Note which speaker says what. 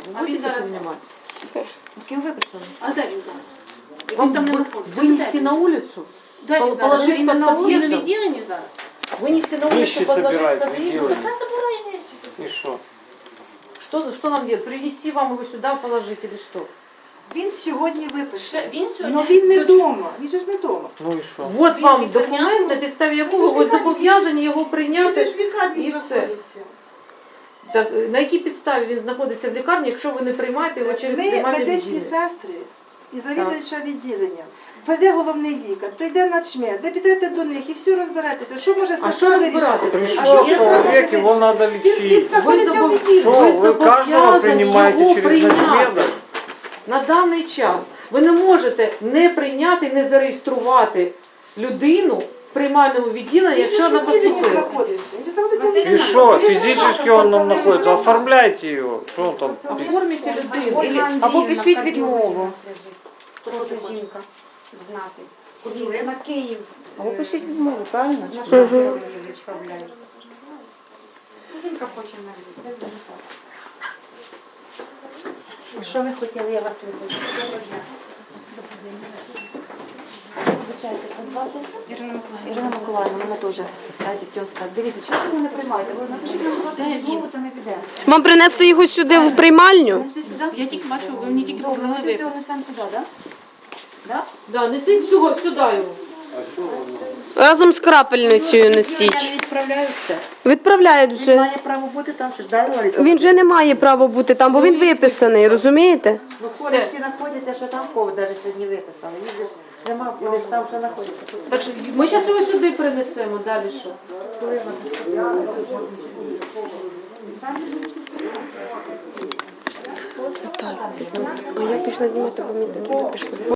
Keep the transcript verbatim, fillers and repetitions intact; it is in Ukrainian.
Speaker 1: Ви
Speaker 2: А він
Speaker 1: будете
Speaker 2: зараз-
Speaker 1: приймати? Ким виписано?
Speaker 2: А де він зараз? Він
Speaker 1: Вам
Speaker 2: там не
Speaker 1: вы-
Speaker 2: знаходиться.
Speaker 1: вынести
Speaker 2: Де
Speaker 1: на
Speaker 2: він?
Speaker 1: улицу?
Speaker 2: Де він
Speaker 1: пол-
Speaker 2: зараз?
Speaker 1: положити
Speaker 2: Він
Speaker 1: під
Speaker 2: на вулиці,
Speaker 1: під'їздом?
Speaker 2: на відділенні зараз?
Speaker 1: Вынести на улицу,
Speaker 3: Вещи
Speaker 1: подложить
Speaker 3: собирать
Speaker 1: под
Speaker 3: в
Speaker 1: дверь?
Speaker 3: отделе.
Speaker 2: Та забирай вещи.
Speaker 3: И что?
Speaker 1: Что, что нам делать? Принести вам его сюда положить или что?
Speaker 4: Він сьогодні
Speaker 2: Ще-
Speaker 4: виписаний.
Speaker 2: Він сьогодні...
Speaker 4: Ну він не
Speaker 2: до-
Speaker 4: вдома, він же ж не вдома.
Speaker 3: Ну и что?
Speaker 1: Вот
Speaker 2: Він
Speaker 1: вам
Speaker 2: лікарняний.
Speaker 1: документ, на підставі якого
Speaker 4: Він
Speaker 1: ви
Speaker 4: ж лікарняний.
Speaker 1: зобов'язані його
Speaker 4: Він же
Speaker 1: прийняти.
Speaker 4: ж в лікарні
Speaker 1: і все.
Speaker 4: знаходиться.
Speaker 1: Так, на якій підставі він знаходиться в лікарні, якщо ви не приймаєте його через
Speaker 4: Ми
Speaker 1: приймальне
Speaker 4: медичні
Speaker 1: відділення?
Speaker 4: сестри і завідувача відділення. Прийде головний лікар, прийде начмед, ви підете до них і все розберетеся. Що може
Speaker 1: А
Speaker 4: сестра
Speaker 1: що розбиратися?
Speaker 4: вирішити?
Speaker 1: А
Speaker 3: Пришел
Speaker 1: що
Speaker 3: человек, его надо
Speaker 4: Він, він
Speaker 3: лечить.
Speaker 4: знаходиться
Speaker 1: забув-
Speaker 4: в відділенні.
Speaker 3: Что,
Speaker 1: Ви
Speaker 3: вы каждого
Speaker 1: зобов'язані
Speaker 3: принимаете
Speaker 1: його
Speaker 3: через
Speaker 1: прийняти.
Speaker 3: начмеда?
Speaker 1: На даний час ви не можете не прийняти, не зареєструвати людину в приймальному відділенні,
Speaker 4: Він же
Speaker 1: якщо
Speaker 4: ж в
Speaker 1: вона
Speaker 4: відділенні
Speaker 1: поступила.
Speaker 4: знаходиться. Він же знаходиться в
Speaker 3: И
Speaker 4: відділенні.
Speaker 3: что,
Speaker 4: Він же
Speaker 3: физически он там находится? Оформляйте его. Что он там?
Speaker 1: Оформіть людину.
Speaker 5: Ольга
Speaker 1: Или-
Speaker 5: Або пишіть відмову.
Speaker 4: То, що ти
Speaker 5: Просто
Speaker 4: хочеш?
Speaker 5: жінка знати.
Speaker 4: Куди?
Speaker 5: І на Київ.
Speaker 6: Або пишіть відмову, правильно?
Speaker 5: На що її відправляють? Жінка хоче навіть, без візиту.
Speaker 4: Що ви хотіли, я вас вибачу.
Speaker 6: Вибачайте, будь ласка. Ірина Миколаївна. Ірина Миколаївна, мене теж, кстати, тьоска. Дивіться, чого ви не приймаєте? Ви напишіть нам, будь ласка, відмову, то не піде.
Speaker 7: Вам принести його сюди в приймальню?
Speaker 6: Нести сюди?
Speaker 2: Я тільки бачу, ви мені тільки
Speaker 6: Добре,
Speaker 2: показали
Speaker 6: ми
Speaker 2: випис.
Speaker 6: його несемо сюди, так? Да?
Speaker 1: Да, несіть всього сюди його.
Speaker 7: Разом з крапельницею
Speaker 4: Я
Speaker 7: носіть.
Speaker 4: не відправляюся.
Speaker 7: Відправляють
Speaker 4: Він
Speaker 7: вже.
Speaker 4: має право бути там, що ж далі, Лариса?
Speaker 7: Він вже не має права бути там, бо він виписаний, розумієте?
Speaker 4: Ну, коли всі знаходяться, що там кого навіть сьогодні виписали. Він же ж нема, вони ж там, що знаходяться.
Speaker 1: Так що ми зараз його сюди принесемо, далі що?
Speaker 7: А я пішла знімати, бо мені туди пішла.